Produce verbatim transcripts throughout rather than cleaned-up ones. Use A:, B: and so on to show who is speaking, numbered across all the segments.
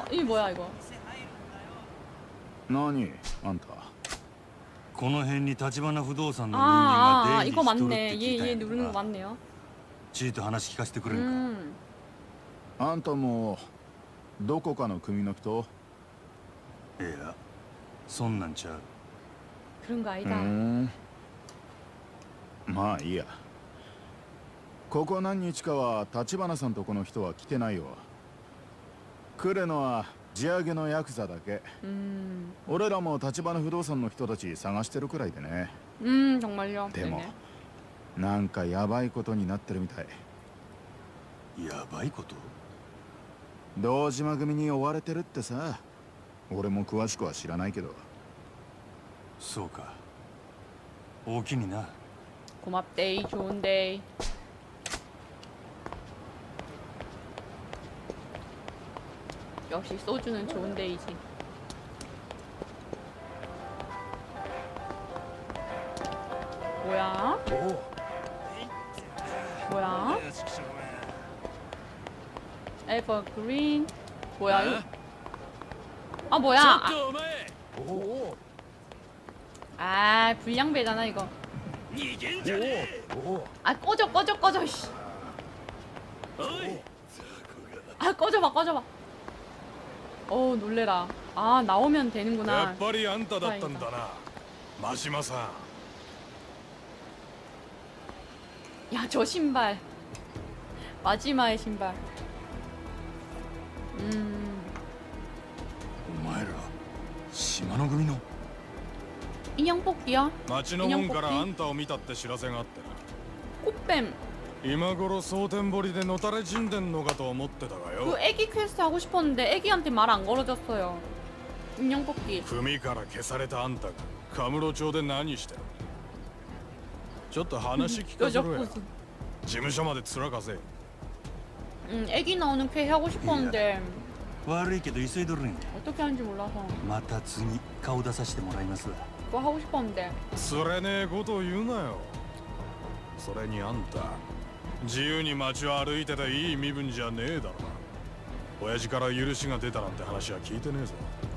A: 이 뭐야 이거?
B: 何あんた。
C: この辺に立花不動産の人
A: 아,
C: 間
A: 아,
C: が
A: 아
C: 出入
A: 이거
C: りしとるっ
A: 맞네.
C: て聞
A: 얘
C: いたん
A: 얘
C: やけ
A: 누르는
C: ど
A: 거
C: な。
A: 맞네요.
C: ちいと話聞かせてくれんか。
A: 음.
B: あんたもどこかの組の人？
C: いや、そんなんちゃう。
A: 그런 거
B: う
A: 아니다.
B: ん。まあいいや。ここ何日かは立花さんとこの人は来てないよ。来るのは地上げのヤクザだけ。
A: 음.
B: 俺らも立花不動産の人たち探してるくらいでね。
A: 음, 정말요.
B: でも
A: 네네.
B: なんかヤバいことになってるみたい。
C: やばいこと？
B: 堂島組に追われてるってさ。俺も詳しくは知らないけど。
C: そうか。大きにな。
A: 고맙데이, 좋은데이. 역시 소주는 좋은데이지. 뭐야? 뭐야? 에버그린. 뭐야 이거? 아 뭐야? 아, 아 불량배잖아 이거. 아 꺼져 꺼져 꺼져 씨. 아 꺼져봐 꺼져봐. 어우 놀래라. 아 나오면 되는구나.
D: やっぱりあんただったんだな、真島さん。
A: 야 저 신발. 마지막의 신발. 음.
C: お前ら島の組の？
A: 인형 뽑기야?
D: 町の門からあんたを見たって知らせがあってな。
A: 꽃뱀.
D: 今頃蒼天堀でのたれ死んでんのかと思ってたがよ。
A: 그 애기 퀘스트 하고 싶었는데 애기한테 말 안 걸어줬어요. 인형 뽑기.
D: 組から消されたあんたがカムロ町で何してる？ちょっと話聞かせろや。
A: 뾰족부수.
D: 事務所まで面かせ。
A: 응, 애기 나오는 퀘 하고 싶었는데
C: 悪いけど急いどるんや。
A: 어떻게 하는지 몰라서
C: また次顔出させてもらいますわ。
A: 그거 하고 싶었는데
D: つれねえことを言うなよ。それにあんた自由に街を歩いてていい身分じゃねえだろな。親父から許しが出たなんて話は聞いてねえぞ。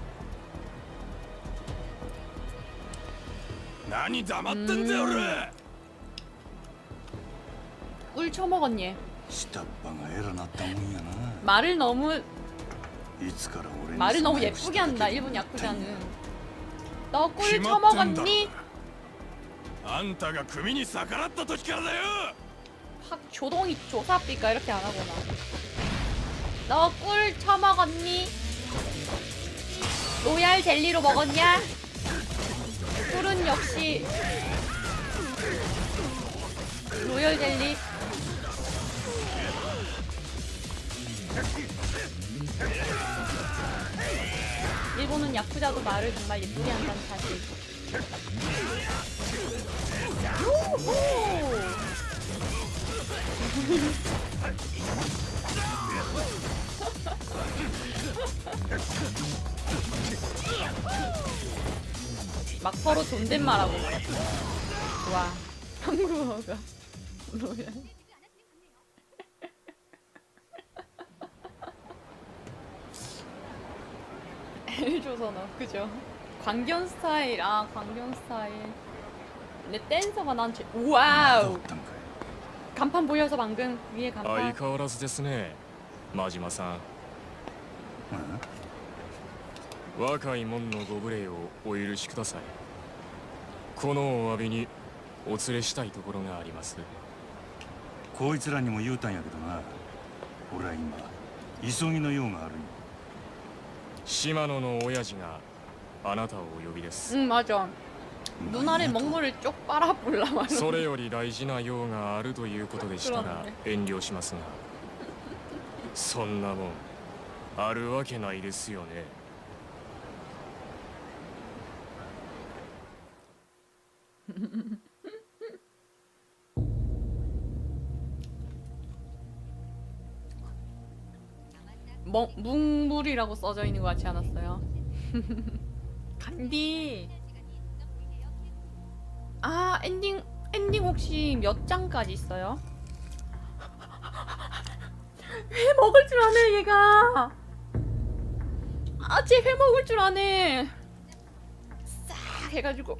D: 何黙ってんだよ俺。
A: 꿀 처먹었니?
C: 下っ端が偉なったもんやな。
A: 말을 너무
C: いつから俺に
A: 말을 너무
C: そんな
A: 예쁘게 한다 일본 야쿠자는. 너 꿀
D: 기막힌다.
A: 처먹었니?
D: あんたが組に逆らった時からだよ。
A: 확 조동이 조사삐까 이렇게 안 하구나. 너 꿀 처먹었니? 로얄 젤리로 먹었냐? 꿀은 역시 로얄 젤리. 일본은 야쿠자도 말을 정말 예쁘게 한다는 사실. 요호! 막 서로 존댓말하고. 좋아. 한국어가 뭐야? 엘조선어 그죠? 광견 스타일. 아 광견 스타일. 근데 댄서가 난 제... 와우.
C: どうったんかい。
A: 간판 보여서 방금 위에
D: 相
A: 간판.
D: 変わらずですね、真島さん。若い者のご無礼をお許しください。このお詫びにお連れしたいところがあります。
C: こいつらにも言うたんやけどな。俺は今急ぎの用があるんや。
D: 島野の親父があなたをお呼びです。
A: 응 맞아. 눈알에 먹물을 쪽 빨아볼라 말이야.
D: それより大事な用があるということでしたら遠慮しますが、そんなもんあるわけないですよね。 멍, 묵물이라고 써져 있는 것 같지 않았어요? 간디. 아 엔딩 엔딩 혹시 몇 장까지 있어요? 왜 먹을 줄 아네 얘가.
A: 아, 쟤 회 먹을 줄 아네. 싹 해가지고.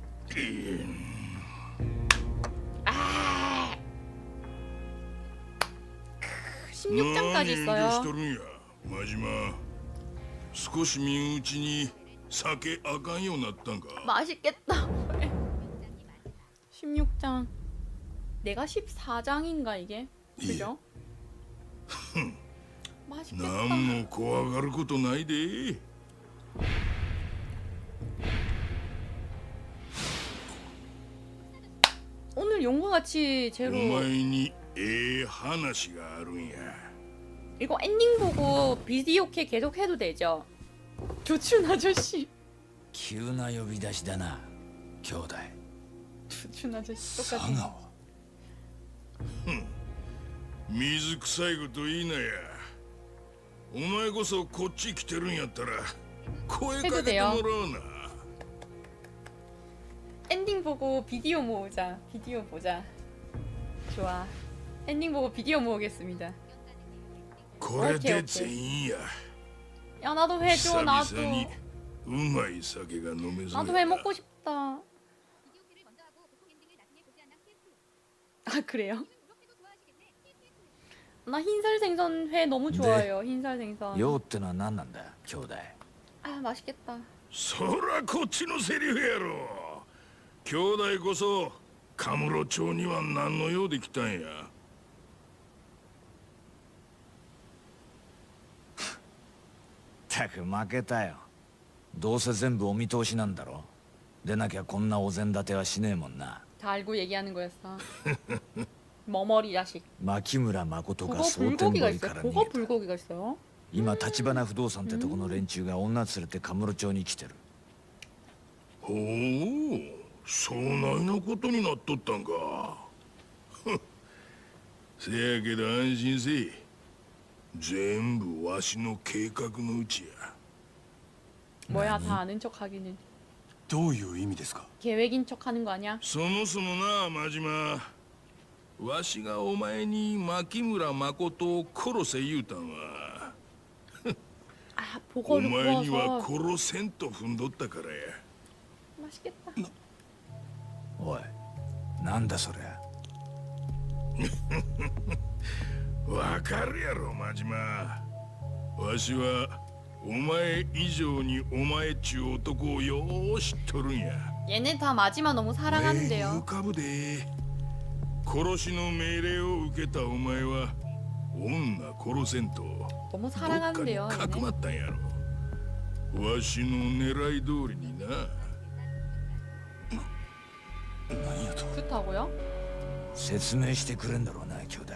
A: 아. 십육 장까지
E: 何遠慮しと
A: 있어요.
E: るんや真島少し見んうちに酒あかんようになったんか
A: 맛있겠다. 십육 장. 내가 십사 장인가 이게? 그죠? 맛있겠다.
E: 何も怖がることないで
A: 오늘 용과 같이
E: お
A: 제로
E: 前にええ話があるんや
A: 이거 엔딩 보고 비디오 캐 계속 해도 되죠? 조춘 아저씨.
F: 急な呼び出しだな兄弟
A: 조춘 아저씨
C: 佐
A: 똑같은.
C: 川
E: 水臭いこと言いなやお前こそこっち来てるんやったら声かけてもらおうな
A: 엔딩 보고 비디오 모으자. 비디오 보자. 좋아. 엔딩 보고 비디오 모으겠습니다.
E: これで全員や
A: 야 나도 회
E: 久
A: 줘.
E: 々
A: 나도.
E: にうまい酒が飲めそう
A: 나도 회 먹고 싶다. 아 그래요? 나 흰살 생선 회 너무 좋아해요. 흰살 생선.
F: 用ってのは何なんだ兄弟
A: 아 맛있겠다.
E: そらこっちのセリフやろ兄弟こそカムロ町には何の用で来たんや
F: たく負けたよどうせ全部お見通しなんだろでなきゃこんなお膳立てはしねえもんな
A: 다 알고 얘기하는 거였어. 머머리 자식.
F: 牧村誠が
A: 그거
F: 蒼天
A: 불고기가
F: 堀か
A: 있어요.
F: ら
A: 그거
F: 逃げた
A: 불고기가 있어요.
F: 今橘不動産ってとこの連中が女連れてカムロ町に来てる
E: ほうそないなことになっとったんかせやけど安心せい全部わしの計画のうちや
A: 뭐야 다 아는 척 하기는.
C: どういう意味ですか
A: 계획인 척 하는 거 아니야?
E: そもそもな真島わしがお前に牧村誠を殺せ言うたんは
A: 아
E: お
A: 보고를
E: 前には
A: 구워서
E: 殺せんと踏んどったからや
A: 맛있겠다.
F: おいなんだそりゃ
E: わかるやろ真島わしはお前以上にお前っちゅう男をよう知っとるんや
A: 얘네 다 마지막 너무
E: 目に浮
A: 사랑하는데요.
E: かぶで殺しの命令を受けたお前は女殺せんと
A: 너무
E: どっかに
A: 사랑하는데요.
E: かくま
A: 얘네.
E: ったんやろわしの狙い通りにな
C: 何やと
A: 좋다고요?
F: 説明してくれんだろうな兄弟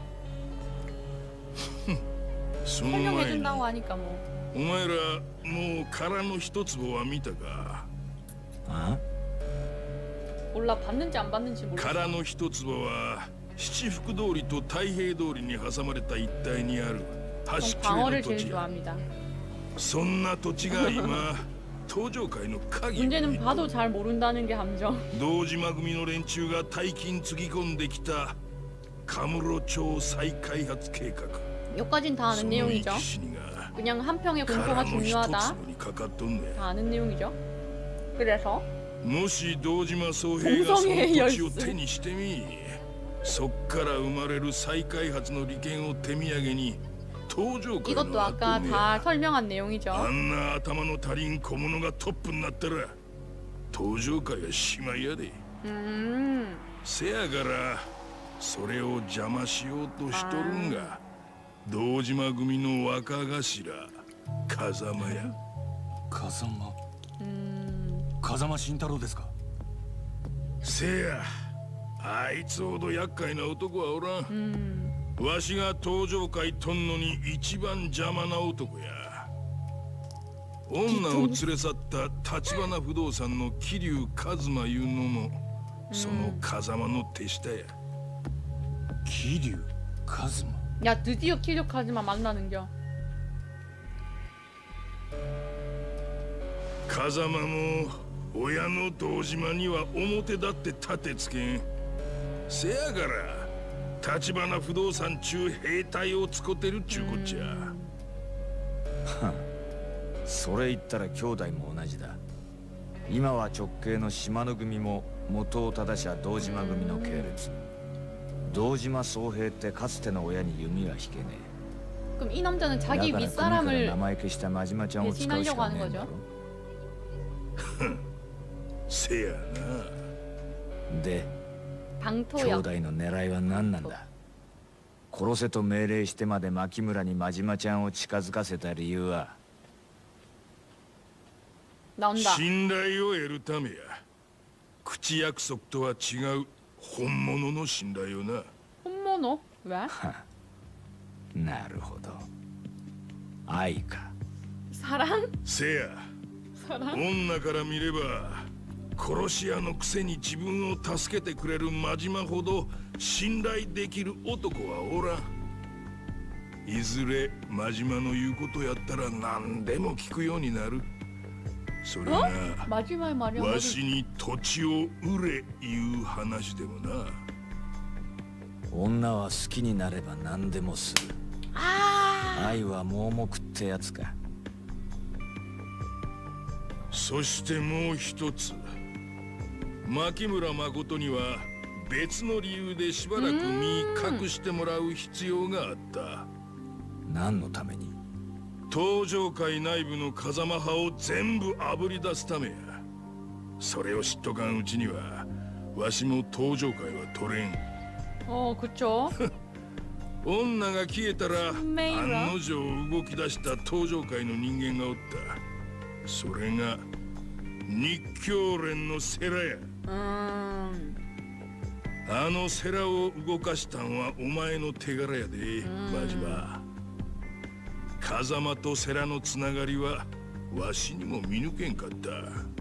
E: その前に
A: 설명해준다고 하니까 뭐.
E: お前らもう殻の一粒は見たか
F: あ
A: 몰라 봤는지 안 봤는지 모르겠어.
E: 殻の一粒は七福通りと太平通りに挟まれた一帯にある
A: 전
E: 端切れ
A: 광어를
E: の土
A: 제일
E: 地や
A: 좋아합니다.
E: そんな土地が今東上界の鍵を
A: 문제는
E: 握っ
A: 봐도 잘 모른다는 게 함정.
E: 堂島組の連中が大金つぎ込んできたカムロ町再開発計画
A: 여기까진 다
E: そ
A: 아는
E: の生
A: 내용이죠.
E: き死にが
A: 그냥 한 평의
E: 殻
A: 공포가
E: の一
A: 중요하다.
E: 粒にかかっとんねん
A: 다 아는 내용이죠. 그래서
E: もし堂島宗平がその
A: 동성애의
E: 土地を
A: 열쇠
E: 手にしてみそっから生まれる再開発の利権を手土産に東上界
A: 이것도
E: の
A: 아까
E: 跡目
A: 다 설명한 내용이죠.
E: あんな頭の足りん小物がトップになったら東上界はしまいやで
A: 음.
E: せやからそれを邪魔しようとしとるんが堂島組の若頭風間や
C: 風間
A: 음.
C: 風間慎太郎ですか
E: せやあいつほど厄介な男はおらん
A: 음.
E: わしが東上界とんのに一番邪魔な男や女を連れ去った橘不動産の桐生一馬いうのもその風間の手下や
C: 桐生一馬
A: 야 드디어 키력하지만 만나는겨.
E: 風間も親の堂島には表だって立てつけんせやから橘不動産中兵隊を使ってるっちゅうこっちゃ
F: それ言ったら兄弟も同じだ。今は直系の島の組も元を正しゃ堂島組の系列。堂島宗平ってかつての親に弓は引けね
A: 그럼 이 남자는
F: え。
A: 자기
F: だから組から
A: 윗사람을
F: 名前消した真島ちゃんを使うしかねえんだろ。
E: せやな。
F: で、兄
A: 방토역.
F: 弟の狙いは何なんだ。殺せと命令してまで牧村に真島ちゃんを近づかせた理由は。
A: 나온다.
E: 信頼を得るためや。口約束とは違う本物の信頼をな。
A: 혼모노? 왜?
F: なるほど。愛か。
A: 사랑?
E: せや。
A: 사랑?
E: 女から見れば殺し屋のくせに自分を助けてくれる真島ほど信頼できる男はおらん。いずれ真島の言うことやったら何でも聞くようになる。それが
A: 마지막에 말이야.
E: わしに土地を売れいう話でもな。
F: 女は好きになれば何でもする。
A: 아.
F: 愛は盲目ってやつか。
E: そしてもう一つ、牧村誠には別の理由でしばらく身隠してもらう必要があった。
F: 何のために。
E: 東上界内部の風間派を全部あぶり出すためや。それを知っとかんうちにはわしも東上界は取れん。
A: 어, 그쵸.
E: 女が消えたら
A: メイラ
E: 案の定動き出した東上界の人間がおった。それが日教連の世良や。
A: 음.
E: あの世良を動かしたんはお前の手柄やで、真島。風間と世良のつながりはわしにも見抜けんかった。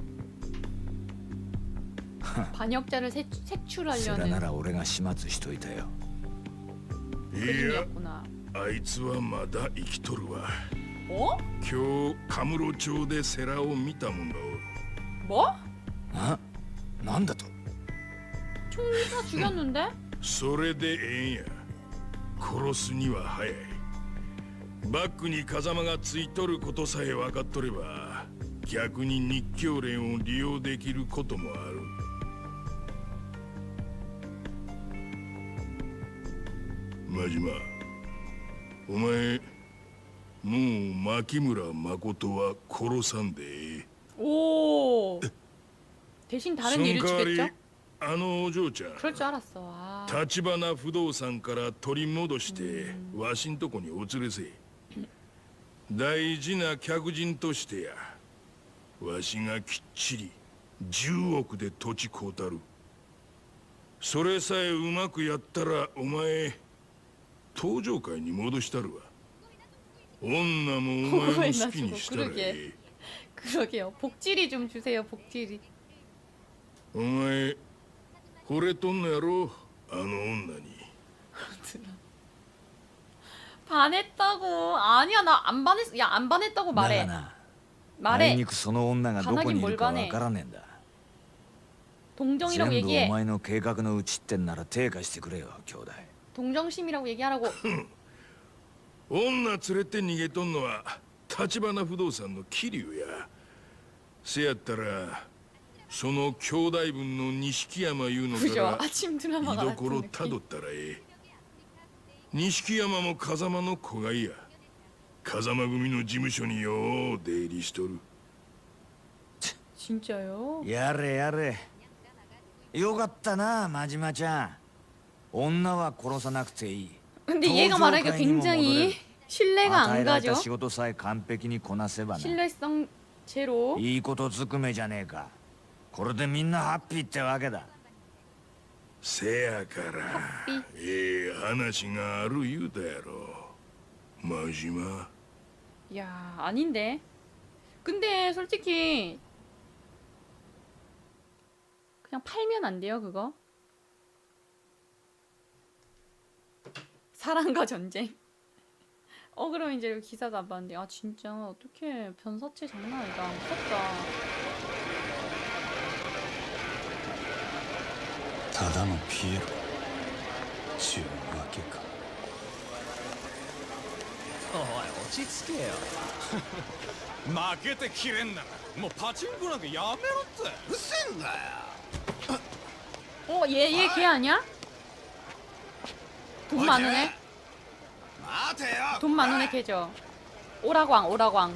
A: 반역자를 새,
F: それな
A: 색출하려는
F: ら俺が始末しといたよ。
E: いや、
A: 그림이었구나.
E: あいつはまだ生きとるわ。
A: 어?
E: 今日カムロ町で世良を見たもんがおる。
A: 뭐?
F: あ、なんだと。
A: 총리가 죽였는데?
E: それでええんや。殺すには早い。バックに風間がついとることさえ分かっとれば、逆に日教連を利用できることもある。真島、お前もう牧村誠は殺さんでええ。
A: 오. 대신
E: そ
A: 다른
E: の
A: 일을
E: 代わり
A: 주겠죠?
E: あのお嬢ちゃん
A: 그럴 줄 알았어. 아.
E: 立花不動産から取り戻してわしんとこにお連れせ。大事な客人としてや。わしがきっちりじゅうおくで土地買うたる。それさえうまくやったらお前東上界に戻したるわ。女もお前の好きにしたらええ。
A: 그러게요. 복지리 좀 주세요. 복지리.
E: お前惚れとんのやろ、あの女に。
A: 반했다고. 아니야, 나 안 반했어. 야, 안 반했다고
F: だが
A: 말해.
F: な、あい
A: 말해.
F: にくその女がどこにいるかわからねえんだ。
A: 동정이라고
F: 全部お
A: 얘기해.
F: 前の計画のうちってんなら手貸してくれよ、兄弟。
A: 동정심이라고 얘기하라고.
E: 女連れて逃げとんのは立花不動産の桐生や。せやったらその兄弟分の錦山いうのか
A: 그죠?
E: ら
A: 아침
E: 居
A: 드라마가
E: 所
A: 같은
E: たど
A: 느낌.
E: ったらええ。錦山も風間の子がいや。風間組の事務所によう出入りしとる。
A: 진짜요?
F: やれやれ。よかったな、真島ちゃん。女は殺さなくていい。
A: 근데 얘가 말하기가 굉장히 신뢰가
F: 与え
A: 안
F: られた
A: 가죠.
F: 仕事さえ完璧にこなせばな。
A: 신뢰성 제로.
F: いいことずくめじゃねえか。これでみんなハッピーってわけだ。
E: せやからええ話がある言うたやろ、真島。
A: 야, 아닌데. 근데 솔직히 그냥 팔면 안 돼요, 그거? 사랑과 전쟁. 어, 그럼 이제 여기 기사도 안 봤는데. 아, 진짜 어떻게 변사체 장난 아니다. 무섭다.
C: ただのピエロちゅうわけか。
G: おいち着けよ。
D: 負けてきれんならもうパチンコなんかやめろって。
G: うっせんだよ。
A: 어, 얘, 얘 걔 아니야? 돈 많은 애?
G: 待てよ。
A: 돈 많은 애 걔죠. 오라광, 오라광.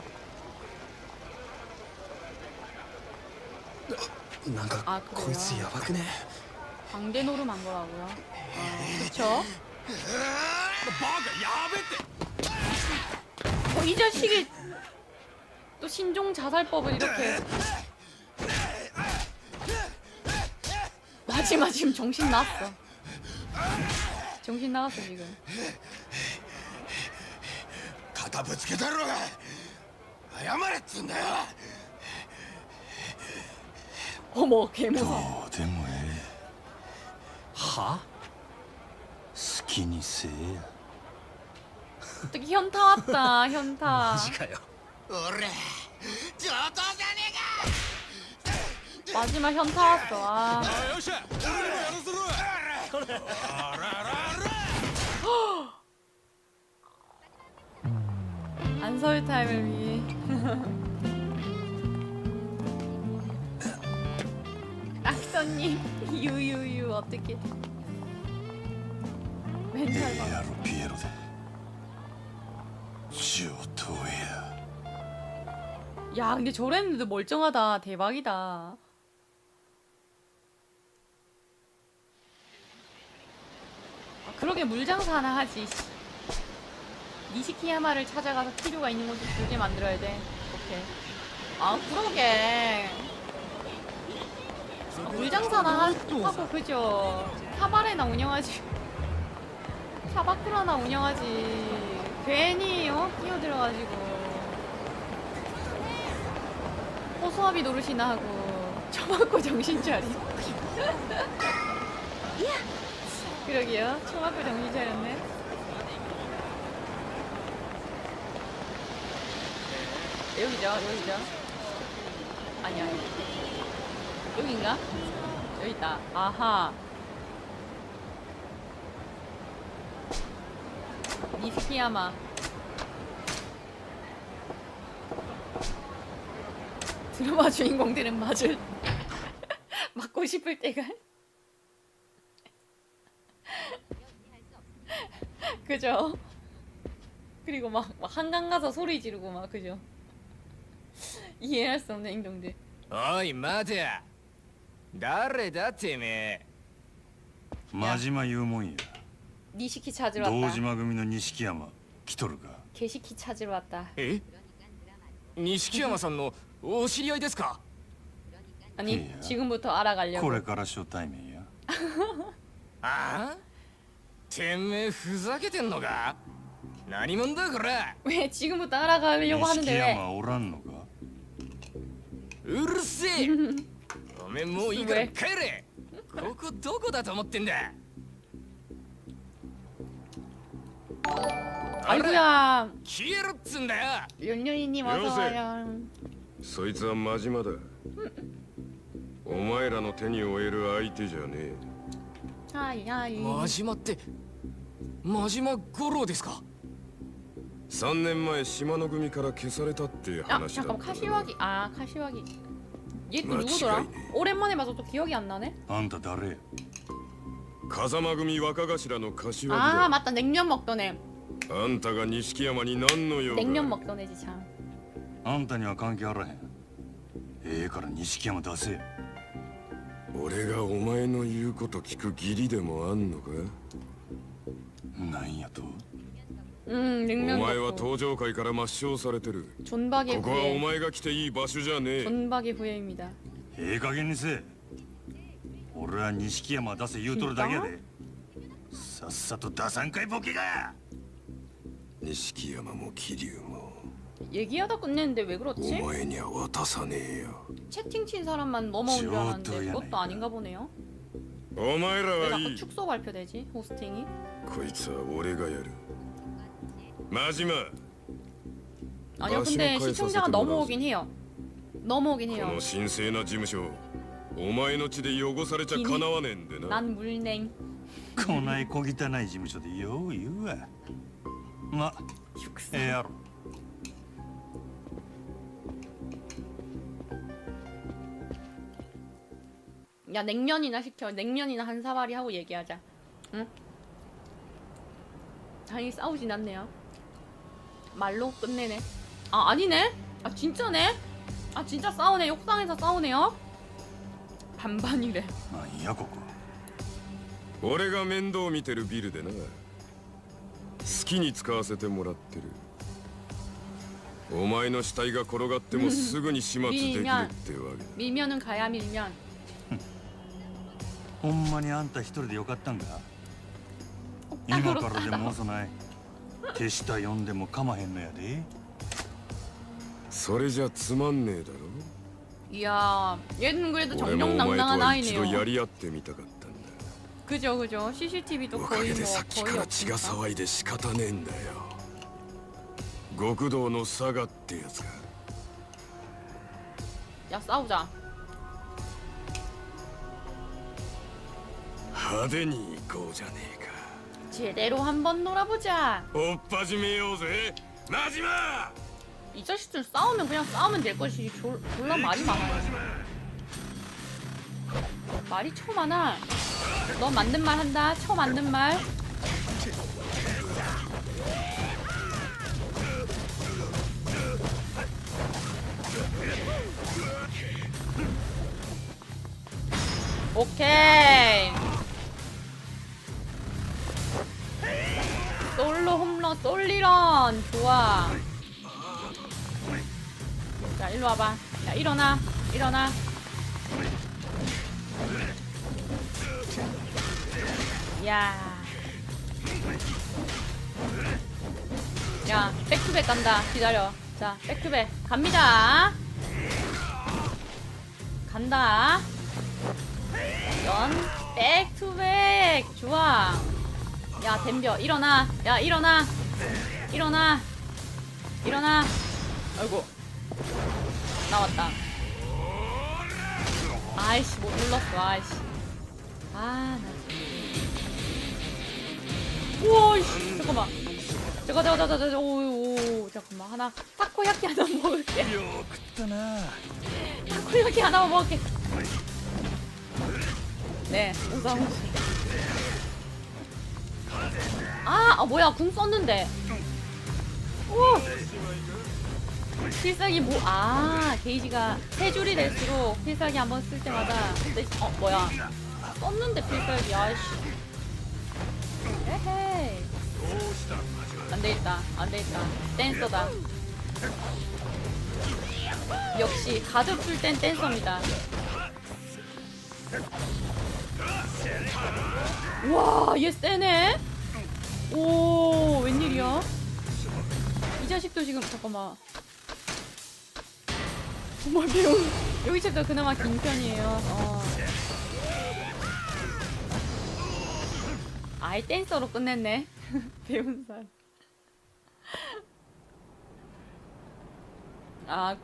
G: なんか
A: 아, 그래요?
G: こいつやばくね。
A: 광대 노름한 거라고요? 아, 그쵸?
D: バカやべって。
A: 어, 이 자식이 또 신종 자살법을 이렇게. 마지막 지금 정신 나갔어. 정신 나갔어 지금.
G: 肩ぶつけたろが。謝れっつんだよ。
A: 어머 개무서워.
C: どうでもええ。
G: は？
C: 好きにせえや。
A: 어떻게 현타 왔다 현타.
G: マジかよ。俺上等じゃね
A: 마지막 현타 왔어. 아.
D: よっしゃ俺にもやらせろ。あららら。
A: 안서울 타임을 위해. 악선님 유유유 어떻게?
C: え
A: 멘탈
C: え
A: 봐.
C: やろピエロで。上等や。
A: 야 근데 저랬는데도 멀쩡하다. 대박이다. 아, 그러게 물장사 하나 하지. 니시키야마를 찾아가서 필요가 있는 곳을 두개 만들어야 돼. 오케이. 아 그러게. 아, 물장사나 하, 하고 그죠. 타바레나 운영하지. 타바크라나 운영하지. 괜히 어 끼어들어가지고. 호수아비 노릇이나 하고 처맞고 정신 차리고. 그러게요. 처맞고 정신 차렸네. 여기죠, 여기죠. 아니야, 아니. 여긴가? 여기 있다. 아하. 니스키야마. 드라마 주인공들은 맞을 맞고 싶을 때가 그죠? 그리고 막, 막 한강 가서 소리 지르고 막 그죠? 이해할 수 없는 행동들.
F: おい待てや。誰だてめえ。
C: 真島言うもんや。
A: 니시키 찾으러
C: 堂
A: 왔다.
C: 島組の錦山来とるか。
A: 개시키 찾으러 왔다.
F: え？錦山さんのお知り合いですか？
A: 아니
C: 이야.
A: 지금부터 알아가려고.
C: これから初対面や。
F: ああ？てめえふざけてんのか？何者だこれ？
A: 왜 지금부터 알아가려고
C: 錦
A: 하는데 왜?
C: 山おらんのか。
F: うるせえ。おめえもういいから
A: 上
F: 帰れ。ここどこだと思ってんだ。
A: 아이고야.
F: 消えろっつんだよ。
A: 연년이님 어서
E: 여보세요?
A: 와요.
E: そいつは真島だ。お前らの手に負える相手じゃねえ。
A: 하이 하이.
F: 真島って真島五郎ですか？
E: さんねんまえ島の組から消されたって
A: 아
E: 話だった
A: 잠깐
E: な。
A: 카시와기. 아 카시와기. 얘 또
E: 맞지,
A: 누구더라?
E: 아니네.
A: 오랜만에 봐서 또 기억이 안 나네.
C: あんた誰や。
E: 風間組若頭の柏木
A: 아
E: だ。
A: 맞다 냉면 먹던 애.
E: あんたが錦山に何の用が。
A: 냉면 먹던 애지 참.
C: あんたには関係あらへん。ええから錦山出せや。
E: 俺がお前の言うこと聞く義理でもあんのか。
C: なんやと。
A: 음
E: お
A: 냉면
E: 前は
A: 먹고.
E: 登場界から抹消されてる。
A: 존박의
E: ここはお
A: 후예.
E: 前が来ていい場所じゃねえ。
A: 존박의 후예입니다.
C: ええ加減にせえ。俺は錦山出せ言うとるだけやで。さっさと出さんかいボケが。
E: 錦山も桐生も
A: 얘기하다 끝냈는데 왜
E: お
A: 그렇지?
E: 前には渡さねえよ。
A: 채팅 친 사람만 넘어온 줄 알았는데
C: 저것도
A: 그것도 아닌가 보네요.
E: お前ら
A: 왜
E: はい
A: 자꾸
E: い。
A: 축소 발표되지? 호스팅이?
E: こいつは俺がやる。真島、
A: 아니요
E: 아,
A: 근데
E: 신고해서
A: 시청자가
E: 세트로
A: 넘어오긴 해요. 넘어오긴
E: こ
A: 해요.
E: の神聖な事務所、お前の血で汚されちゃかなわねえんでな。
A: 난 물냉.
C: こない小汚い事務所でよう言うわ。ま、ええやろ。
A: 야 냉면이나 시켜. 냉면이나 한 사발이 하고 얘기하자. 응? 다행히 싸우진 않네요. 말로 끝내네. 아 아니네. 아 진짜네. 아 진짜 싸우네. 옥상에서 싸우네요. 반반이래.
C: なんやここ。
E: 俺が面倒見てるビルでな、好きに使わせてもらってる。お前の死体が転がってもすぐに始末できるってわけだ。
A: 밀면은 가야 밀면.
C: ほんまにあんた一人でよかったんか。今からでも遅ない。手下呼んでもかまへんのやで。
E: それじゃつまんねえだろ。
A: 이야 얘는 그래도
E: 俺もお前と
A: 정정당당한
E: は一度
A: 아이네요.
E: やり合ってみたかったんだ。
A: 그죠 그죠. 씨씨티비도
E: おか
A: 거의
E: げ
A: 뭐
E: でさっきか
A: 거의
E: ら血が
A: 없으니까.
E: 騒いで仕方ねえんだよ。極道の佐賀ってやつが。
A: 야 싸우자.
E: 派手に行こうじゃねえか。
A: 제대로 한번 놀아보자.
E: おっ始めようぜマジマ。
A: 이 자식들 싸우면 그냥 싸우면 될 것이 졸, 졸라 말이 많아요. 말이 쳐 많아. 너 맞는 말 한다. 쳐 맞는 말. 오케이. 솔로 홈런 솔리런 좋아. 자 일로 와봐. 야 일어나 일어나. 야. 야 백투백 간다. 기다려. 자 백투백 갑니다. 간다. 연 백투백 좋아. 야 덤벼 일어나. 야 일어나 일어나 일어나. 아이고 나왔다. 아이씨 못 눌렀어. 아이씨 아나 우와 이씨 잠깐만 잠깐 잠깐 잠깐 잠깐 오오 잠깐만 하나 타코야키 하나 먹을게.
C: よくったな。
A: 타코야키 하나만 먹을게. 네 오사무 아, 아 뭐야 궁 썼는데. 오 필살기 뭐 아 게이지가 세 줄이 될수록 필살기 한번 쓸 때마다 근데 어 뭐야 썼는데 필살기 아이씨 에헤이 안되겠다 안되겠다 댄서다. 역시 가드 풀 땐 댄서입니다. 와, 얘 세네? 오, 웬일이야? 이 자식도 지금, 잠깐만. 정말 배운, 여기 챕터 그나마 긴 편이에요. 어. 아예 댄서로 끝냈네. 배운 사람. 아.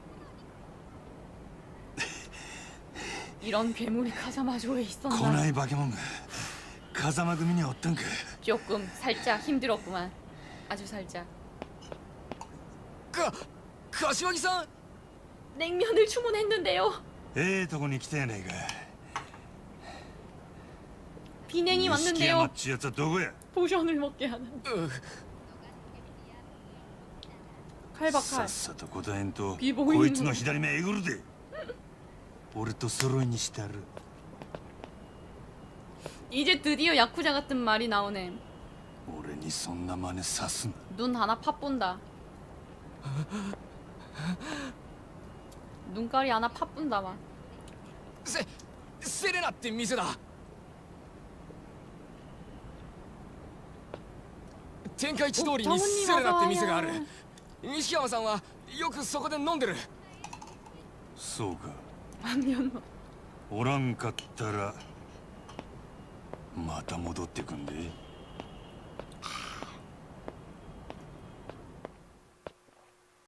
A: 이런 괴물이 카자마조에
C: 来
A: 있었나?
C: ない化け物が風間組におったんか。
A: 조금 살짝 힘들었구만. 아주 살짝.
G: か柏木さん
A: 냉면을 주문했는데요.
C: ええとこに来たやないか。
A: 비냉이
C: 錦山
A: 왔는데요.
C: っちゅうやつはどこや。
A: 포션을 먹게 하는.
G: う
A: 칼박
C: さ
A: 칼.
C: っさと答えんと
A: ビボイン
C: こいつの左目えぐるで。俺と揃いにしてやる。
A: 이제 드디어 야쿠자 같은 말이 나오네.
C: 俺にそんな真似さすな。
A: 눈 하나 팥 본다. 눈깔이 하나 팥 본다 막.
G: せセレナって店だ。天下一通りにセレナって店がある。西山さんはよくそこで飲んでる。
C: そうか。
A: 안면.
C: おらんかったらまた戻ってくんで。